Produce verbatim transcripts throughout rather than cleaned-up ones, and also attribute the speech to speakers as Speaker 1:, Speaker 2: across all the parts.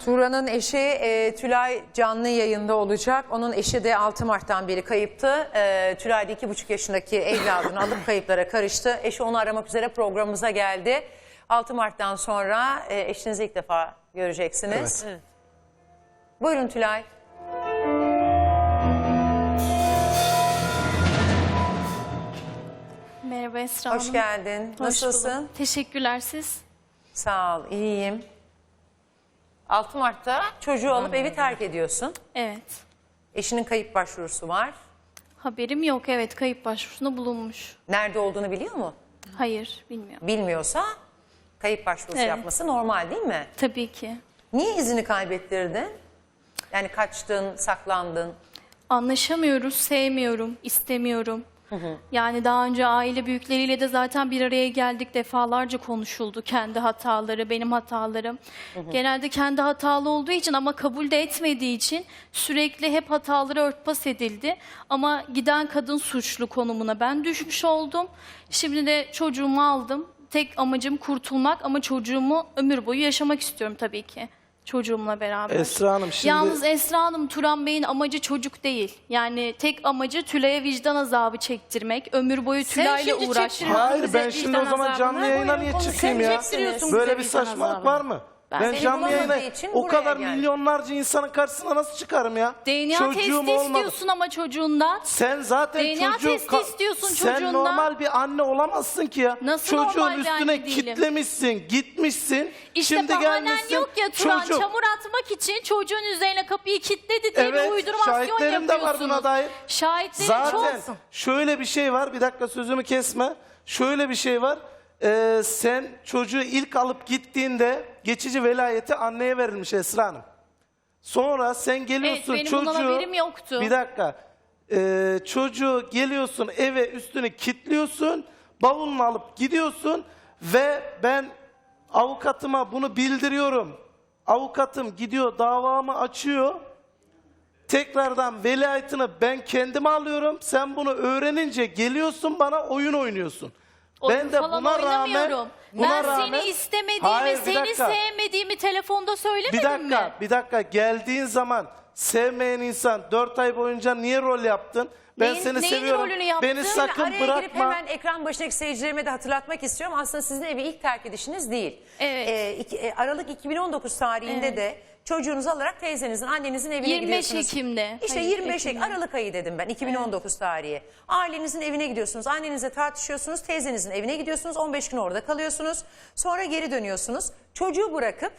Speaker 1: Turan'ın eşi e, Tülay canlı yayında olacak. Onun eşi de altı Mart'tan beri kayıptı. E, Tülay da iki buçuk yaşındaki evladını alıp kayıplara karıştı. Eşi onu aramak üzere programımıza geldi. altı Mart'tan sonra e, eşinizi ilk defa göreceksiniz.
Speaker 2: Evet.
Speaker 1: Buyurun Tülay.
Speaker 3: Merhaba Esra Hanım.
Speaker 1: Hoş geldin.
Speaker 3: Hoş
Speaker 1: Nasılsın?
Speaker 3: bulduk. Teşekkürler, siz?
Speaker 1: Sağ ol, iyiyim. altı Mart'ta çocuğu alıp evi terk ediyorsun.
Speaker 3: Evet.
Speaker 1: Eşinin kayıp başvurusu var.
Speaker 3: Haberim yok, evet, kayıp başvurusunda bulunmuş.
Speaker 1: Nerede olduğunu biliyor mu?
Speaker 3: Hayır, bilmiyorum.
Speaker 1: Bilmiyorsa kayıp başvurusu
Speaker 3: Evet.
Speaker 1: yapması normal değil mi?
Speaker 3: Tabii ki.
Speaker 1: Niye izini kaybettirdin? Yani kaçtın, saklandın.
Speaker 3: Anlaşamıyoruz, sevmiyorum, istemiyorum. Yani daha önce aile büyükleriyle de zaten bir araya geldik, defalarca konuşuldu. Kendi hataları, benim hatalarım. Genelde kendi hatalı olduğu için ama kabul de etmediği için sürekli hep hataları örtbas edildi. Ama giden kadın suçlu konumuna ben düşmüş oldum. Şimdi de çocuğumu aldım. Tek amacım kurtulmak ama çocuğumu ömür boyu yaşamak istiyorum tabii ki. Çocuğumla beraber.
Speaker 2: Esra Hanım şimdi...
Speaker 3: Yalnız Esra Hanım, Turan Bey'in amacı çocuk değil. Yani tek amacı Tülay'a vicdan azabı çektirmek. Ömür boyu Tülay'la
Speaker 4: şimdi
Speaker 3: uğraşmak.
Speaker 4: çektiriyorsun
Speaker 2: Hayır
Speaker 4: bize
Speaker 2: ben şimdi
Speaker 4: vicdan
Speaker 2: o zaman
Speaker 4: azabını.
Speaker 2: canlı yayına
Speaker 4: Buyurun,
Speaker 2: niye
Speaker 4: konu
Speaker 2: çıkayım
Speaker 4: sen
Speaker 2: ya?
Speaker 4: çektiriyorsun
Speaker 2: Böyle
Speaker 4: bize
Speaker 2: bir
Speaker 4: vicdan
Speaker 2: saçmalık
Speaker 4: azabını.
Speaker 2: var mı?
Speaker 4: Ben
Speaker 2: Ben
Speaker 4: seni
Speaker 2: canlı
Speaker 1: bulamadığı
Speaker 2: yayına
Speaker 1: için
Speaker 2: o
Speaker 1: buraya
Speaker 2: kadar
Speaker 1: geldim.
Speaker 2: milyonlarca insanın karşısına nasıl çıkarım ya?
Speaker 3: D N A testi istiyorsun ama çocuğundan.
Speaker 2: Sen zaten
Speaker 3: D N A
Speaker 2: çocuğu...
Speaker 3: testi istiyorsun
Speaker 2: Sen
Speaker 3: çocuğundan.
Speaker 2: normal bir anne olamazsın ki ya.
Speaker 3: Nasıl
Speaker 2: Çocuğun
Speaker 3: normal bir
Speaker 2: üstüne
Speaker 3: anne değilim?
Speaker 2: kitlemişsin, gitmişsin.
Speaker 3: İşte
Speaker 2: Şimdi
Speaker 3: bahanen
Speaker 2: gelmişsin.
Speaker 3: yok ya Turan,
Speaker 2: çocuk-
Speaker 3: çamur atmak için çocuğun üzerine kapıyı kilitledi diye
Speaker 2: Evet,
Speaker 3: bir uydurmasyon
Speaker 2: şahitlerim de var
Speaker 3: yapıyorsunuz.
Speaker 2: buna dair.
Speaker 3: Şahitlerim
Speaker 2: Zaten
Speaker 3: çok.
Speaker 2: şöyle bir şey var, bir dakika sözümü kesme. Şöyle bir şey var, ee, sen çocuğu ilk alıp gittiğinde geçici velayeti anneye verilmiş Esra Hanım. Sonra sen geliyorsun
Speaker 3: Evet, benim
Speaker 2: çocuğu...
Speaker 3: bundan haberim yoktu.
Speaker 2: Bir dakika, ee, çocuğu geliyorsun eve üstünü kilitliyorsun, bavulunu alıp gidiyorsun ve ben avukatıma bunu bildiriyorum. Avukatım gidiyor davamı açıyor. Tekrardan velayetini ben kendime alıyorum. Sen bunu öğrenince geliyorsun bana oyun oynuyorsun.
Speaker 3: Oyun
Speaker 2: ben de
Speaker 3: falan
Speaker 2: buna rağmen
Speaker 3: oynamıyorum.
Speaker 2: buna
Speaker 3: ben
Speaker 2: rağmen,
Speaker 3: seni istemediğimi,
Speaker 2: Hayır, bir
Speaker 3: seni
Speaker 2: dakika.
Speaker 3: sevmediğimi telefonda söylemedim
Speaker 2: Bir dakika,
Speaker 3: mi?
Speaker 2: bir dakika. Geldiğin zaman sevmeyen insan dört ay boyunca niye rol yaptın? Ben
Speaker 3: Neyin-
Speaker 2: seni
Speaker 3: neyin
Speaker 2: seviyorum.
Speaker 3: rolünü yaptın?
Speaker 2: Beni sakın
Speaker 1: Araya girip
Speaker 2: bırakma.
Speaker 1: hemen ekran başındaki seyircilerime de hatırlatmak istiyorum. Aslında sizin evi ilk terk edişiniz değil.
Speaker 3: Evet.
Speaker 1: Ee, iki- e, Aralık iki bin on dokuz tarihinde
Speaker 3: Evet.
Speaker 1: de çocuğunuzu alarak teyzenizin, annenizin evine
Speaker 3: yirmi beş
Speaker 1: gidiyorsunuz.
Speaker 3: Ekim'de.
Speaker 1: İşte
Speaker 3: Hayır,
Speaker 1: yirmi beş Ekim,
Speaker 3: Ekim'de.
Speaker 1: Aralık ayı dedim ben, iki bin on dokuz tarihi. Ailenizin evine gidiyorsunuz, annenizle tartışıyorsunuz, teyzenizin evine gidiyorsunuz, on beş gün orada kalıyorsunuz. Sonra geri dönüyorsunuz. Çocuğu bırakıp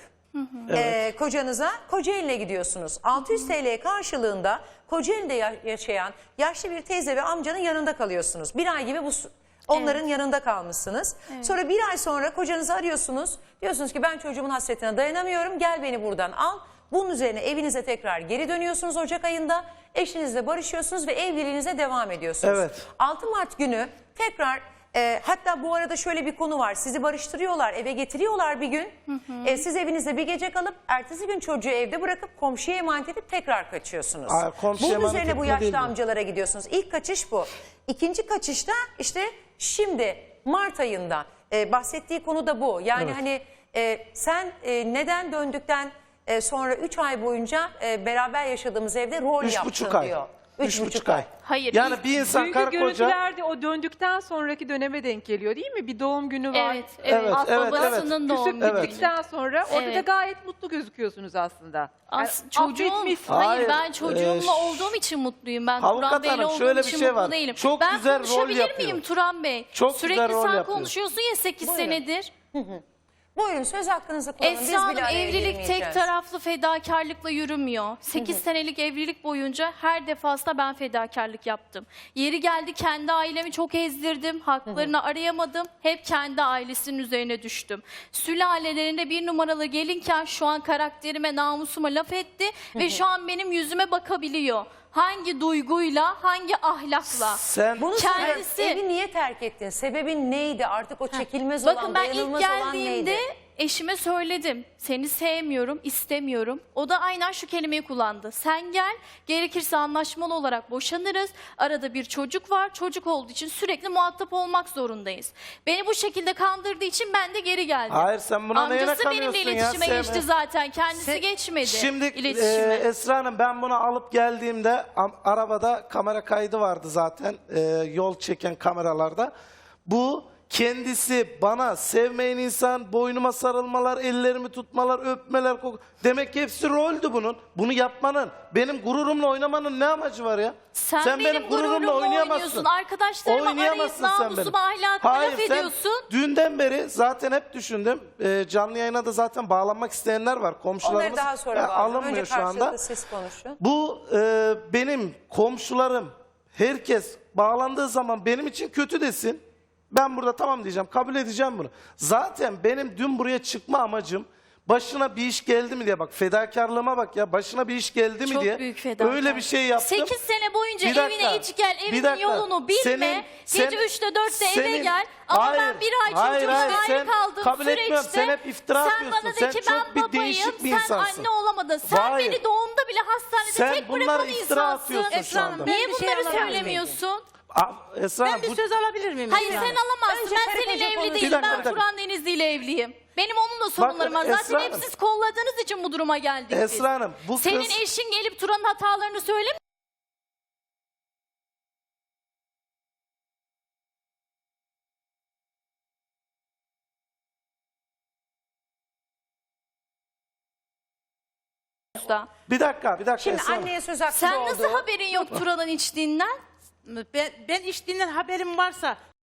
Speaker 1: e, kocanıza Kocaeli'ne gidiyorsunuz. altı yüz T L karşılığında Kocaeli'de ya- yaşayan yaşlı bir teyze ve amcanın yanında kalıyorsunuz. Bir ay gibi bu onların yanında kalmışsınız. Sonra bir ay sonra kocanızı arıyorsunuz. Diyorsunuz ki ben çocuğumun hasretine dayanamıyorum, gel beni buradan al. Bunun üzerine evinize tekrar geri dönüyorsunuz Ocak ayında. Eşinizle barışıyorsunuz ve evliliğinize devam ediyorsunuz.
Speaker 2: Evet.
Speaker 1: altı Mart günü tekrar e, hatta bu arada şöyle bir konu var. Sizi barıştırıyorlar, eve getiriyorlar bir gün. E, siz evinizde bir gece kalıp ertesi gün çocuğu evde bırakıp komşuya emanet edip tekrar kaçıyorsunuz.
Speaker 2: Aa, komşuya
Speaker 1: Bunun
Speaker 2: emanet
Speaker 1: üzerine bu
Speaker 2: etme değil
Speaker 1: yaşlı
Speaker 2: mi?
Speaker 1: amcalara gidiyorsunuz. İlk kaçış bu. İkinci kaçışta işte şimdi Mart ayında e, bahsettiği konu da bu. Yani
Speaker 2: Evet.
Speaker 1: hani e, sen e, neden döndükten e, sonra üç ay boyunca e, beraber yaşadığımız evde rol
Speaker 2: Üç
Speaker 1: yaptın
Speaker 2: buçuk ay.
Speaker 1: diyor.
Speaker 2: Üç buçuk ay.
Speaker 3: Hayır,
Speaker 2: Yani
Speaker 3: biz-
Speaker 2: bir insan
Speaker 4: Çünkü
Speaker 2: karı koca...
Speaker 4: görüntülerde o döndükten sonraki döneme denk geliyor değil mi? Bir doğum günü var.
Speaker 3: Evet, evet.
Speaker 2: Evet, evet,
Speaker 3: Babasının
Speaker 2: evet.
Speaker 3: doğum
Speaker 4: Küsüp
Speaker 3: günü.
Speaker 4: gittikten sonra orada da
Speaker 3: Evet.
Speaker 4: gayet mutlu gözüküyorsunuz aslında.
Speaker 3: As
Speaker 4: Yani
Speaker 3: çocuğum,
Speaker 4: affetmişsin.
Speaker 3: hayır,
Speaker 2: Hayır,
Speaker 3: ben çocuğumla
Speaker 2: e,
Speaker 3: olduğum için mutluyum. Ben
Speaker 2: Avukat
Speaker 3: Turan Bey'le
Speaker 2: hanım,
Speaker 3: olduğum
Speaker 2: şöyle bir
Speaker 3: için
Speaker 2: şey
Speaker 3: mutlu
Speaker 2: var.
Speaker 3: değilim.
Speaker 2: Çok
Speaker 3: ben
Speaker 2: güzel rol
Speaker 3: konuşabilir
Speaker 2: yapıyor.
Speaker 3: miyim Turan Bey?
Speaker 2: Çok
Speaker 3: Sürekli
Speaker 2: güzel rol
Speaker 3: sen
Speaker 2: yapıyor.
Speaker 3: konuşuyorsun ya sekiz
Speaker 1: Buyurun.
Speaker 3: senedir.
Speaker 1: Buyurun söz hakkınızı kullanın. Biz
Speaker 3: Esra Hanım,
Speaker 1: bile araya
Speaker 3: evlilik
Speaker 1: girmeyeceğiz.
Speaker 3: tek taraflı fedakarlıkla yürümüyor. sekiz senelik evlilik boyunca her defasında ben fedakarlık yaptım. Yeri geldi kendi ailemi çok ezdirdim. Haklarını arayamadım. Hep kendi ailesinin üzerine düştüm. Sülalelerinde bir numaralı gelinken şu an karakterime, namusuma laf etti. Ve şu an benim yüzüme bakabiliyor. Hangi duyguyla, hangi ahlakla.
Speaker 2: Sen
Speaker 1: Bunu
Speaker 3: Kendisi-
Speaker 1: soruyorum, evi niye terk ettin? Sebebin neydi? Artık o çekilmez olan,
Speaker 3: Bakın ben ilk
Speaker 1: dayanılmaz olan
Speaker 3: geldiğimde
Speaker 1: neydi?
Speaker 3: Eşime söyledim. Seni sevmiyorum, istemiyorum. O da aynen şu kelimeyi kullandı. Sen gel, gerekirse anlaşmalı olarak boşanırız. Arada bir çocuk var. Çocuk olduğu için sürekli muhatap olmak zorundayız. Beni bu şekilde kandırdığı için ben de geri geldim.
Speaker 2: Hayır, sen buna neyine
Speaker 3: Amcası benimle
Speaker 2: kanıyorsun ya?
Speaker 3: iletişime
Speaker 2: Sevme.
Speaker 3: geçti zaten. Kendisi
Speaker 1: Se-
Speaker 3: geçmedi
Speaker 2: Şimdi
Speaker 3: iletişime.
Speaker 2: e, Esra Hanım, ben bunu alıp geldiğimde am- arabada kamera kaydı vardı zaten, e, yol çeken kameralarda. Bu kendisi bana sevmeyen insan, boynuma sarılmalar, ellerimi tutmalar, öpmeler, kok- demek ki hepsi roldü bunun. Bunu yapmanın, benim gururumla oynamanın ne amacı var ya?
Speaker 3: Sen, benim, gururumla oynuyorsun. Arkadaşlarıma arayıp
Speaker 2: Oynayamazsın sen benim.
Speaker 3: namusuma, ahlakıma
Speaker 2: Hayır,
Speaker 3: laf
Speaker 2: sen
Speaker 3: ediyorsun.
Speaker 2: dünden beri zaten hep düşündüm. Ee, canlı yayına da zaten bağlanmak isteyenler var. Komşularımız
Speaker 1: Onları daha sonra
Speaker 2: e,
Speaker 1: bağlayalım.
Speaker 2: alınmıyor
Speaker 1: Önce
Speaker 2: şu anda.
Speaker 1: karşılıklı siz konuşun.
Speaker 2: Bu e, benim komşularım, herkes bağlandığı zaman benim için kötü desin. Ben burada tamam diyeceğim, kabul edeceğim bunu. Zaten benim dün buraya çıkma amacım, başına bir iş geldi mi diye, bak fedakarlığıma bak ya, başına bir iş geldi mi
Speaker 3: Çok
Speaker 2: diye
Speaker 3: büyük fedakarlık.
Speaker 2: öyle bir şey yaptım.
Speaker 3: sekiz sene boyunca
Speaker 2: Bir dakika,
Speaker 3: evine iç gel,
Speaker 2: bir
Speaker 3: evinin
Speaker 2: dakika.
Speaker 3: yolunu bilme.
Speaker 2: Senin-
Speaker 3: Gece
Speaker 2: sen-
Speaker 3: üçte dörtte eve
Speaker 2: senin-
Speaker 3: gel. Ama
Speaker 2: Hayır,
Speaker 3: ben bir ay
Speaker 2: hayır,
Speaker 3: çocuğumla
Speaker 2: hayır,
Speaker 3: ayrı
Speaker 2: sen
Speaker 3: kaldığım
Speaker 2: kabul
Speaker 3: süreçte
Speaker 2: etmiyorum. Sen hep iftira
Speaker 3: sen
Speaker 2: atıyorsun.
Speaker 3: bana de
Speaker 2: Sen
Speaker 3: ki
Speaker 2: çok
Speaker 3: ben
Speaker 2: bir
Speaker 3: babayım,
Speaker 2: değişik bir
Speaker 3: sen
Speaker 2: insansın.
Speaker 3: anne olamadın. Sen
Speaker 2: Hayır.
Speaker 3: beni doğumda bile hastanede
Speaker 2: Sen
Speaker 3: tek
Speaker 2: bunlara
Speaker 3: bırakan
Speaker 2: iftira
Speaker 3: insansın.
Speaker 2: atıyorsun şu
Speaker 5: Esra Hanım,
Speaker 2: anda.
Speaker 5: ben
Speaker 3: Niye
Speaker 5: bir şey
Speaker 3: bunları
Speaker 5: alabilir miyim?
Speaker 3: söylemiyorsun?
Speaker 2: Aa, Esra
Speaker 5: Ben
Speaker 2: Hanım,
Speaker 5: bir
Speaker 2: bu-
Speaker 5: söz alabilir miyim?
Speaker 3: Hayır
Speaker 5: Esra
Speaker 3: sen
Speaker 5: Hanım?
Speaker 3: alamazsın.
Speaker 1: Önce
Speaker 3: Ben
Speaker 1: karı
Speaker 3: seninle
Speaker 1: koca
Speaker 3: evli
Speaker 1: konuşun.
Speaker 3: değilim.
Speaker 2: Bir dakika,
Speaker 3: Ben
Speaker 2: bir dakika.
Speaker 3: Turan Denizli ile evliyim. Benim onunla sorunlarım var.
Speaker 2: Esra
Speaker 3: Zaten hep
Speaker 2: Hanım.
Speaker 3: siz kolladığınız için bu duruma geldik biz.
Speaker 2: Esra Hanım, bu
Speaker 3: Senin
Speaker 2: kız...
Speaker 3: eşin gelip Turan'ın hatalarını söylemiyor.
Speaker 2: Bir dakika, bir dakika
Speaker 1: Şimdi
Speaker 2: Esra Hanım.
Speaker 1: anneye söz hakkı
Speaker 3: Sen
Speaker 1: doğdu.
Speaker 3: nasıl haberin yok Turan'ın içtiğinden?
Speaker 5: Ben, ben içtiğinden haberim varsa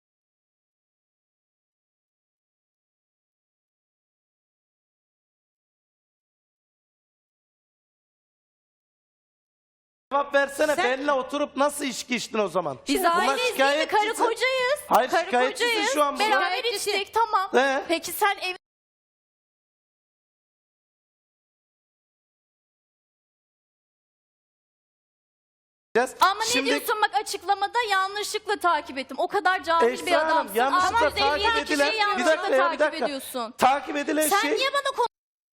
Speaker 2: Cevap versene,
Speaker 5: Sen-
Speaker 2: benimle oturup nasıl içki içtin o zaman?
Speaker 3: Biz
Speaker 2: Bunlar
Speaker 3: aileyiz değil mi? Karı
Speaker 2: şikayetçisin.
Speaker 3: kocayız.
Speaker 2: Hayır,
Speaker 3: Karı
Speaker 2: şikayetçisin
Speaker 3: kocayız.
Speaker 2: şu an burada.
Speaker 3: Beraber
Speaker 5: Şikayetçisi.
Speaker 3: içtik tamam.
Speaker 2: He.
Speaker 3: Peki sen ev Ama ne
Speaker 2: Şimdi
Speaker 3: diyorsun bak açıklamada yanlışlıkla takip ettim. O kadar cahil
Speaker 2: Esra
Speaker 3: bir
Speaker 2: Hanım,
Speaker 3: adamsın.
Speaker 2: yanlışlıkla
Speaker 3: altı yüz elli
Speaker 2: takip
Speaker 3: yedi
Speaker 2: edilen...
Speaker 3: kişiyi
Speaker 2: Bir
Speaker 3: yanlışlıkla
Speaker 2: dakika ya, bir
Speaker 3: takip
Speaker 2: dakika.
Speaker 3: ediyorsun.
Speaker 2: Takip edilen
Speaker 3: Sen
Speaker 2: şey...
Speaker 3: niye bana konu...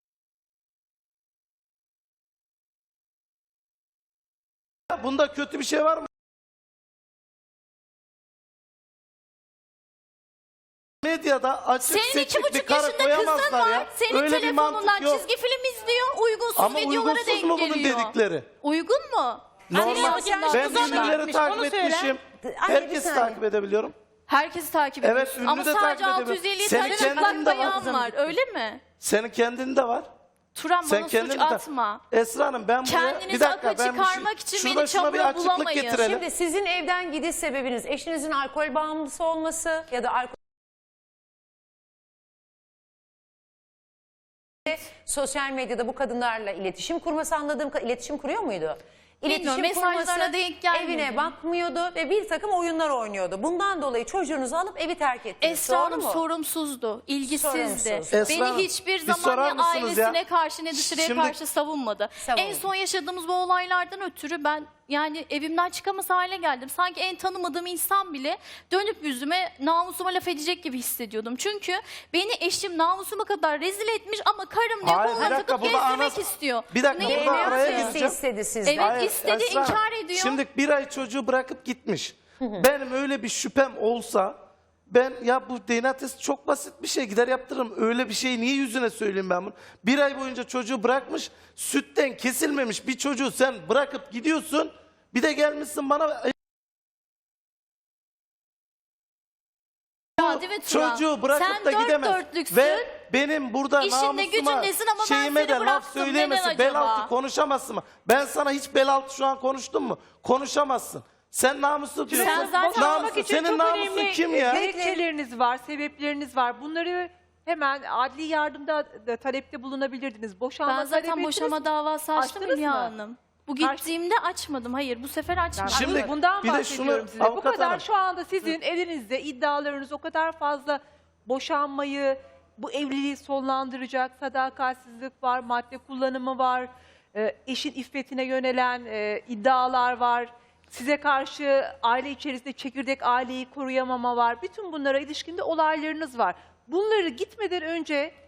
Speaker 2: Bunda kötü bir şey var mı? Medyada açık
Speaker 3: Senin iki
Speaker 2: seçik bir
Speaker 3: buçuk
Speaker 2: karı
Speaker 3: yaşında kızın
Speaker 2: koyamazlar
Speaker 3: var.
Speaker 2: ya.
Speaker 3: Senin
Speaker 2: Öyle bir mantık
Speaker 3: telefonundan
Speaker 2: yok.
Speaker 3: çizgi film izliyor. Uygunsuz
Speaker 2: Ama
Speaker 3: videolara
Speaker 2: uygunsuz
Speaker 3: denk
Speaker 2: mu bunun
Speaker 3: geliyor.
Speaker 2: dedikleri?
Speaker 3: Uygun mu?
Speaker 2: Normal.
Speaker 3: Senin
Speaker 2: Ben
Speaker 3: yaşın
Speaker 2: ünlüleri
Speaker 5: gitmiş,
Speaker 2: takip
Speaker 5: onu söyle.
Speaker 2: etmişim.
Speaker 1: Anne, bir
Speaker 2: Herkesi
Speaker 1: saniye.
Speaker 2: takip edebiliyorum.
Speaker 3: Herkesi takip
Speaker 2: Evet,
Speaker 3: ediyorsun.
Speaker 2: ünlü
Speaker 3: Ama
Speaker 2: de
Speaker 3: sadece
Speaker 2: takip
Speaker 3: altı yüz elli
Speaker 2: edebiliyorum.
Speaker 3: tane
Speaker 2: Senin
Speaker 3: çıplak
Speaker 2: kendin de var.
Speaker 3: bayan var. Öyle mi?
Speaker 2: Senin kendin de var.
Speaker 3: Turan
Speaker 2: Sen
Speaker 3: bana
Speaker 2: kendin
Speaker 3: suç
Speaker 2: de...
Speaker 3: atma.
Speaker 2: Esra Hanım, ben buraya...
Speaker 3: Kendinizi
Speaker 2: Bir dakika,
Speaker 3: akla
Speaker 2: ben bir şey-
Speaker 3: çıkarmak için
Speaker 2: şurada
Speaker 3: beni
Speaker 2: şuna bir
Speaker 3: çamura
Speaker 2: açıklık
Speaker 3: bulamayın.
Speaker 2: getirelim.
Speaker 1: Şimdi sizin evden gidiş sebebiniz eşinizin alkol bağımlısı olması ya da alkol... Sosyal medyada bu kadınlarla iletişim kurması, anladığım kadarıyla iletişim kuruyor muydu?
Speaker 3: Bilmiyorum, mesajlarına denk gelmedi.
Speaker 1: evine bakmıyordu ve bir takım oyunlar oynuyordu. Bundan dolayı çocuğunuzu alıp evi terk ettiniz.
Speaker 3: Esra
Speaker 1: Doğru
Speaker 3: Hanım
Speaker 1: mu?
Speaker 3: sorumsuzdu, ilgisizdi.
Speaker 1: Sorumsuz.
Speaker 2: Esra
Speaker 3: Beni
Speaker 2: Hanım,
Speaker 3: hiçbir
Speaker 2: bir
Speaker 3: zaman
Speaker 2: sorar
Speaker 3: ne
Speaker 2: mısınız ya?
Speaker 3: ailesine karşı ne dışarıya
Speaker 2: Şimdi-
Speaker 3: karşı savunmadı.
Speaker 1: Savunmadı.
Speaker 3: En son yaşadığımız bu olaylardan ötürü ben yani evimden çıkamaz hale geldim. Sanki en tanımadığım insan bile dönüp yüzüme namusuma laf edecek gibi hissediyordum. Çünkü beni eşim namusuma kadar rezil etmiş ama karım diyor
Speaker 2: Hayır, bir
Speaker 3: koluna
Speaker 2: dakika,
Speaker 3: takıp
Speaker 2: burada
Speaker 3: gezdirmek
Speaker 2: anas-
Speaker 3: istiyor.
Speaker 2: Bir dakika,
Speaker 3: Neyin
Speaker 2: burada
Speaker 3: namusu?
Speaker 2: araya
Speaker 1: Birisi
Speaker 2: gireceğim.
Speaker 1: istedi sizden.
Speaker 3: Evet. istedi,
Speaker 2: Esra Hanım,
Speaker 3: inkar ediyor.
Speaker 2: Şimdi bir ay çocuğu bırakıp gitmiş. Benim öyle bir şüphem olsa ben ya bu D N A testi çok basit bir şey, gider yaptırırım. Öyle bir şeyi niye yüzüne söyleyeyim ben bunu? Bir ay boyunca çocuğu bırakmış, sütten kesilmemiş bir çocuğu sen bırakıp gidiyorsun. Bir de gelmişsin bana
Speaker 3: Hadi ve Turan,
Speaker 2: çocuğu bırakıp
Speaker 3: sen
Speaker 2: da
Speaker 3: dört
Speaker 2: gidemez.
Speaker 3: dörtlüksün.
Speaker 2: Ve benim burada
Speaker 3: İşinde
Speaker 2: namusuma,
Speaker 3: gücündesin ama ben
Speaker 2: şeyime
Speaker 3: seni
Speaker 2: de laf
Speaker 3: bıraktım.
Speaker 2: söyleyemezsin.
Speaker 3: Neden
Speaker 2: Bel
Speaker 3: acaba?
Speaker 2: altı konuşamazsın mı? Ben sana hiç bel altı şu an konuştum mu? Konuşamazsın. Sen namuslu diyorsun.
Speaker 3: Sen zaten
Speaker 2: Namuslu.
Speaker 4: Boşanmak için
Speaker 2: Senin
Speaker 4: çok
Speaker 2: namusun
Speaker 4: önemli
Speaker 2: kim ya?
Speaker 4: gerekçeleriniz var, sebepleriniz var. Bunları hemen adli yardımda da talepte bulunabilirdiniz. Boşanma
Speaker 3: Ben
Speaker 4: talep
Speaker 3: zaten
Speaker 4: ettiniz
Speaker 3: boşama
Speaker 4: mi?
Speaker 3: davası açtım
Speaker 4: Açtınız
Speaker 3: Hülya
Speaker 4: mı?
Speaker 3: Hanım. Bu
Speaker 4: Karşı-
Speaker 3: gittiğimde açmadım. Hayır bu sefer açmadım.
Speaker 2: Şimdi-
Speaker 4: Şimdi bundan
Speaker 2: bir de
Speaker 4: bahsediyorum
Speaker 2: şunu,
Speaker 4: size. Bu
Speaker 2: avukat
Speaker 4: kadar
Speaker 2: hanım.
Speaker 4: şu anda sizin elinizde iddialarınız o kadar fazla boşanmayı, bu evliliği sonlandıracak sadakatsizlik var, madde kullanımı var, e, eşin iffetine yönelen e, iddialar var. Size karşı aile içerisinde çekirdek aileyi koruyamama var. Bütün bunlara ilişkinde olaylarınız var. Bunları gitmeden önce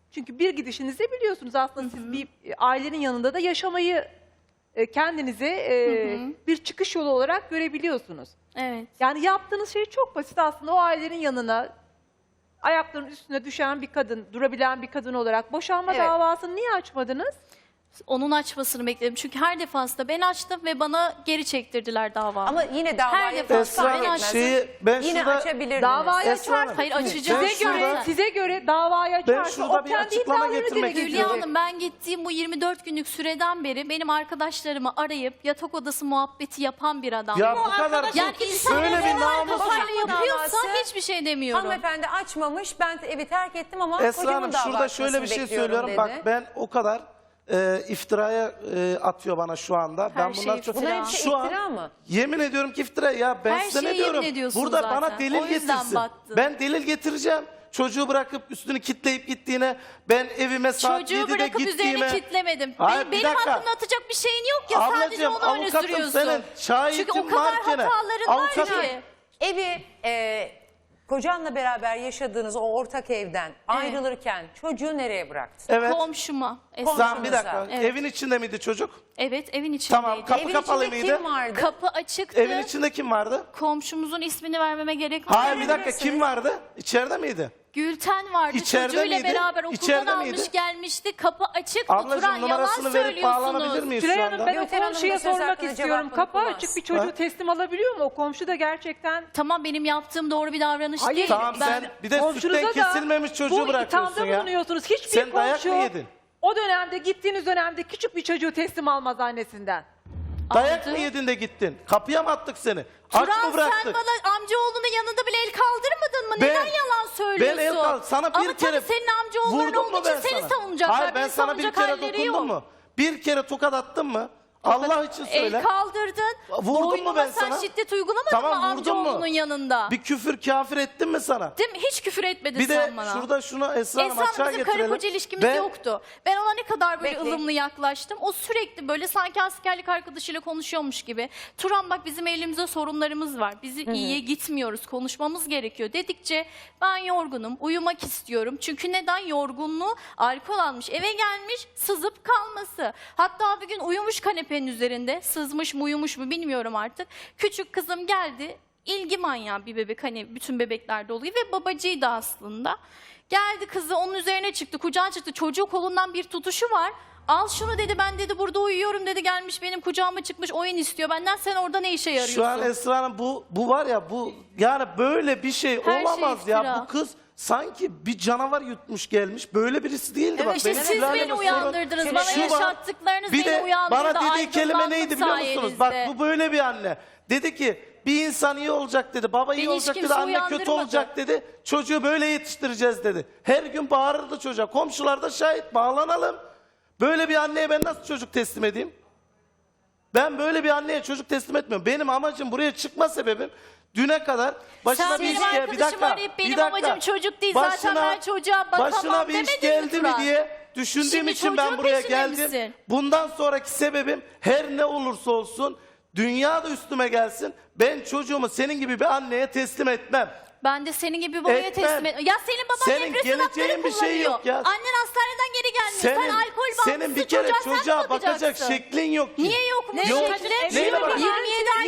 Speaker 4: Çünkü bir gidişinizde biliyorsunuz aslında siz bir e, ailenin yanında da yaşamayı e, kendinize e, bir çıkış yolu olarak görebiliyorsunuz.
Speaker 3: Evet.
Speaker 4: Yani yaptığınız şey çok basit aslında. O ailenin yanına ayaklarının üstüne düşen bir kadın, durabilen bir kadın olarak boşanma
Speaker 1: Evet.
Speaker 4: davasını niye açmadınız?
Speaker 3: Onun açmasını bekledim. Çünkü her defasında ben açtım ve bana geri çektirdiler davayı.
Speaker 1: Ama yine davayı
Speaker 3: Her defasında
Speaker 2: Esra
Speaker 3: ben
Speaker 2: Hanım,
Speaker 3: açtım.
Speaker 2: şeyi ben
Speaker 1: Yine
Speaker 2: şurada
Speaker 1: açabilirdiniz.
Speaker 4: Davayı
Speaker 2: Esra Hanım,
Speaker 4: açarsınız.
Speaker 3: Hayır,
Speaker 2: ben
Speaker 3: açacağım.
Speaker 4: Size göre,
Speaker 2: şurada-
Speaker 4: size göre davayı açarsa
Speaker 2: şurada
Speaker 4: o
Speaker 2: bir
Speaker 4: kendi
Speaker 2: açıklama
Speaker 4: iddialarını
Speaker 2: getirmek
Speaker 4: dile
Speaker 2: istiyorum.
Speaker 3: Hülya
Speaker 4: getirecek.
Speaker 3: Hanım, ben gittiğim bu yirmi dört günlük süreden beri benim arkadaşlarımı arayıp yatak odası muhabbeti yapan bir adam.
Speaker 2: ya bu kadar
Speaker 3: yani insan
Speaker 2: böyle bir
Speaker 3: normal
Speaker 2: namus.
Speaker 3: kafayla yapıyorsa
Speaker 1: davası-
Speaker 3: hiçbir şey demiyorum.
Speaker 1: Hanımefendi açmamış, ben evi terk ettim ama
Speaker 2: Esra
Speaker 1: kocamın
Speaker 2: Hanım
Speaker 1: dava
Speaker 2: şurada
Speaker 1: açmasını
Speaker 2: şöyle bir şey
Speaker 1: bekliyorum
Speaker 2: söylüyorum.
Speaker 1: dedi.
Speaker 2: Bak ben o kadar e, iftiraya e, atıyor bana şu anda. ben
Speaker 3: şey
Speaker 2: bunlar çok
Speaker 3: iftira.
Speaker 1: Bunların hepsi
Speaker 2: şu an
Speaker 1: iftira mı?
Speaker 2: yemin ediyorum ki iftira ya ben
Speaker 3: Her
Speaker 2: size ne
Speaker 3: şeye
Speaker 2: diyorum?
Speaker 3: yemin ediyorsun
Speaker 2: Burada
Speaker 3: zaten.
Speaker 2: bana delil
Speaker 3: O yüzden
Speaker 2: getirsin.
Speaker 3: battın.
Speaker 2: Ben delil getireceğim. Çocuğu bırakıp üstünü kitleyip gittiğine, ben evime saat
Speaker 3: Çocuğu
Speaker 2: yedide
Speaker 3: bırakıp
Speaker 2: gittiğime.
Speaker 3: üzerine kitlemedim.
Speaker 2: Hayır,
Speaker 3: Benim,
Speaker 2: bir
Speaker 3: benim
Speaker 2: dakika.
Speaker 3: hakkımda atacak bir şeyin yok ya. Sadece
Speaker 2: Ablacığım,
Speaker 3: onu öne
Speaker 2: avukatım
Speaker 3: sürüyorsun.
Speaker 2: senin, şahitin
Speaker 3: Çünkü o kadar
Speaker 2: varken,
Speaker 3: hataların var
Speaker 2: avukatım-
Speaker 3: ki.
Speaker 1: Evi e, kocanla beraber yaşadığınız o ortak evden ayrılırken çocuğu nereye bıraktın?
Speaker 2: Evet.
Speaker 3: Komşuma. Esra.
Speaker 2: Sen bir dakika.
Speaker 3: Evet.
Speaker 2: Evin içinde miydi çocuk?
Speaker 3: Evet, evin içindeydi.
Speaker 2: Tamam, kapı
Speaker 1: Evin
Speaker 2: kapalı
Speaker 1: içinde
Speaker 2: mıydı?
Speaker 1: kim vardı?
Speaker 3: Kapı açıktı.
Speaker 2: Evin içinde kim vardı?
Speaker 3: Komşumuzun ismini vermeme gerek var.
Speaker 2: Hayır bir dakika,
Speaker 1: Verebilirsiniz.
Speaker 2: kim vardı? İçeride miydi?
Speaker 3: Gülten vardı.
Speaker 2: İçeride
Speaker 3: Çocuğuyla
Speaker 2: miydi?
Speaker 3: beraber okuldan
Speaker 2: İçeride
Speaker 3: almış
Speaker 2: miydi?
Speaker 3: gelmişti. Kapı açık.
Speaker 2: Ablacığım,
Speaker 3: Oturan yalan
Speaker 2: numarasını verip bağlanabilir
Speaker 3: söylüyorsunuz.
Speaker 2: miyiz şu
Speaker 4: Tülay Hanım,
Speaker 2: anda?
Speaker 4: ben o
Speaker 1: Gülten Hanım
Speaker 4: komşuya
Speaker 1: da söz
Speaker 4: sormak
Speaker 1: hakkını
Speaker 4: istiyorum.
Speaker 1: cevabını
Speaker 4: Kapı
Speaker 1: kullansın.
Speaker 4: açık bir çocuğu
Speaker 2: Ha?
Speaker 4: teslim alabiliyor mu? O komşu da gerçekten...
Speaker 3: Tamam, benim yaptığım doğru bir davranış
Speaker 4: Hayır,
Speaker 3: değil.
Speaker 2: Tamam
Speaker 3: ben
Speaker 2: sen bir de
Speaker 4: Komşunuza
Speaker 2: sütten
Speaker 4: da
Speaker 2: kesilmemiş çocuğu
Speaker 4: bu
Speaker 2: bırakıyorsun
Speaker 4: ithamda
Speaker 2: ya.
Speaker 4: bulunuyorsunuz. Hiçbir
Speaker 2: Sen dayak
Speaker 4: komşu
Speaker 2: mı yedin?
Speaker 4: o dönemde gittiğiniz dönemde küçük bir çocuğu teslim almaz annesinden.
Speaker 2: Dayak
Speaker 3: Aldı.
Speaker 2: mı yedin de gittin? Kapıya mı attık seni? Aç
Speaker 3: Turan,
Speaker 2: mı bıraktık?
Speaker 3: sen bana amcaoğlunun yanında bile el kaldırmadın mı?
Speaker 2: Ben-
Speaker 3: Neden yalan söylüyorsun?
Speaker 2: Ben el kal- sana bir
Speaker 3: Ama
Speaker 2: kere
Speaker 3: tabii senin amcaoğulların
Speaker 2: vurdum mu
Speaker 3: olduğu için
Speaker 2: ben
Speaker 3: seni
Speaker 2: sana?
Speaker 3: savunacaklar.
Speaker 2: Hayır, ben
Speaker 3: Beni
Speaker 2: sana bir
Speaker 3: savunacak
Speaker 2: kere
Speaker 3: halleri
Speaker 2: dokundum
Speaker 3: yok.
Speaker 2: mu? Bir kere tokat attın mı? Allah için söyle.
Speaker 3: El kaldırdın.
Speaker 2: Vurdum mu
Speaker 3: Boynuma
Speaker 2: ben
Speaker 3: sen
Speaker 2: sana?
Speaker 3: şiddet uygulamadın
Speaker 2: Tamam,
Speaker 3: mı
Speaker 2: vurdum mu?
Speaker 3: amcaoğlunun yanında?
Speaker 2: Bir küfür kafir ettim mi sana?
Speaker 3: Değil mi? Hiç küfür etmedin
Speaker 2: Bir de
Speaker 3: sen bana.
Speaker 2: şurada şunu Esra Hanım
Speaker 3: Esra Hanım,
Speaker 2: açığa
Speaker 3: bizim
Speaker 2: getirelim.
Speaker 3: karı koca ilişkimiz
Speaker 2: Ben-
Speaker 3: yoktu. Ben ona ne kadar böyle
Speaker 1: Bekleyin.
Speaker 3: ılımlı yaklaştım. O sürekli böyle sanki askerlik arkadaşıyla konuşuyormuş gibi. Turan bak, bizim elimizde sorunlarımız var. Bizi iyiye gitmiyoruz. Konuşmamız gerekiyor dedikçe ben yorgunum. Uyumak istiyorum. Çünkü neden? Yorgunluğu alkol almış. Eve gelmiş, sızıp kalması. Hatta bir gün uyumuş kanepenin üzerinde. Sızmış mı uyumuş mu bilmiyorum artık. Küçük kızım geldi. İlgi manyağı bir bebek, hani bütün bebeklerde oluyor ve babacıydı aslında. Geldi, kızı onun üzerine çıktı, kucağına çıktı. Çocuğu kolundan bir tutuşu var. Al şunu dedi, ben dedi burada uyuyorum dedi, gelmiş benim kucağıma çıkmış oyun istiyor benden, sen orada ne işe yarıyorsun?
Speaker 2: Şu an Esra Hanım bu, bu var ya, bu yani böyle bir şey
Speaker 3: Her şey
Speaker 2: olamaz ya.
Speaker 3: iftira.
Speaker 2: Bu kız sanki bir canavar yutmuş gelmiş. Böyle birisi değildi.
Speaker 3: Evet,
Speaker 2: Bak,
Speaker 3: işte
Speaker 2: benim
Speaker 3: siz
Speaker 2: Hilal'le
Speaker 3: beni
Speaker 2: sorun-
Speaker 3: uyandırdınız.
Speaker 2: Şu
Speaker 3: Bana
Speaker 2: var,
Speaker 3: yaşattıklarınız
Speaker 2: bir
Speaker 3: beni
Speaker 2: de
Speaker 3: uyandırdı.
Speaker 2: bana dediği kelime
Speaker 3: Aydınlandım
Speaker 2: neydi biliyor musunuz? Bak,
Speaker 3: sayenizde.
Speaker 2: bu böyle bir anne. Dedi ki bir insan iyi olacak dedi. Baba iyi
Speaker 3: Beni hiç
Speaker 2: olacak dedi.
Speaker 3: kimse
Speaker 2: Anne kötü
Speaker 3: uyandırmadı.
Speaker 2: olacak dedi. Çocuğu böyle yetiştireceğiz dedi. Her gün bağırırdı çocuğa. Komşular da şahit, bağlanalım. Böyle bir anneye ben nasıl çocuk teslim edeyim? Ben böyle bir anneye çocuk teslim etmiyorum. Benim amacım, buraya çıkma sebebim düne kadar başına
Speaker 3: Sen
Speaker 2: bir
Speaker 3: benim
Speaker 2: iş gel. Bir
Speaker 3: arkadaşımı
Speaker 2: dakika.
Speaker 3: arayıp benim
Speaker 2: bir dakika.
Speaker 3: amacım çocuk değil, zaten ben çocuğa bakamam
Speaker 2: Başına bir iş
Speaker 3: demedin mi
Speaker 2: geldi mi
Speaker 3: Turan?
Speaker 2: diye düşündüğüm
Speaker 3: Şimdi
Speaker 2: için ben
Speaker 3: çocuğun
Speaker 2: buraya
Speaker 3: peşinde
Speaker 2: geldim.
Speaker 3: misin?
Speaker 2: Bundan sonraki sebebim her ne olursa olsun, dünya da üstüme gelsin, ben çocuğumu senin gibi bir anneye teslim etmem.
Speaker 3: Ben de senin gibi babaya
Speaker 2: Etmem.
Speaker 3: teslim et. Ya senin baban
Speaker 2: Senin
Speaker 3: depresyon
Speaker 2: geleceğin
Speaker 3: hapları
Speaker 2: bir şey
Speaker 3: kullanıyor.
Speaker 2: yok ya.
Speaker 3: Annen hastaneden geri gelmiyor. Sen alkol bağımlısı,
Speaker 2: senin bir kere
Speaker 3: çocuğa, sen
Speaker 2: çocuğa
Speaker 3: mi
Speaker 2: bakacak
Speaker 3: bakacaksın?
Speaker 2: şeklin yok ki.
Speaker 3: Niye yok mu?
Speaker 2: Yok.
Speaker 3: Şekli?
Speaker 2: Neyine bak-
Speaker 3: yirmi yedi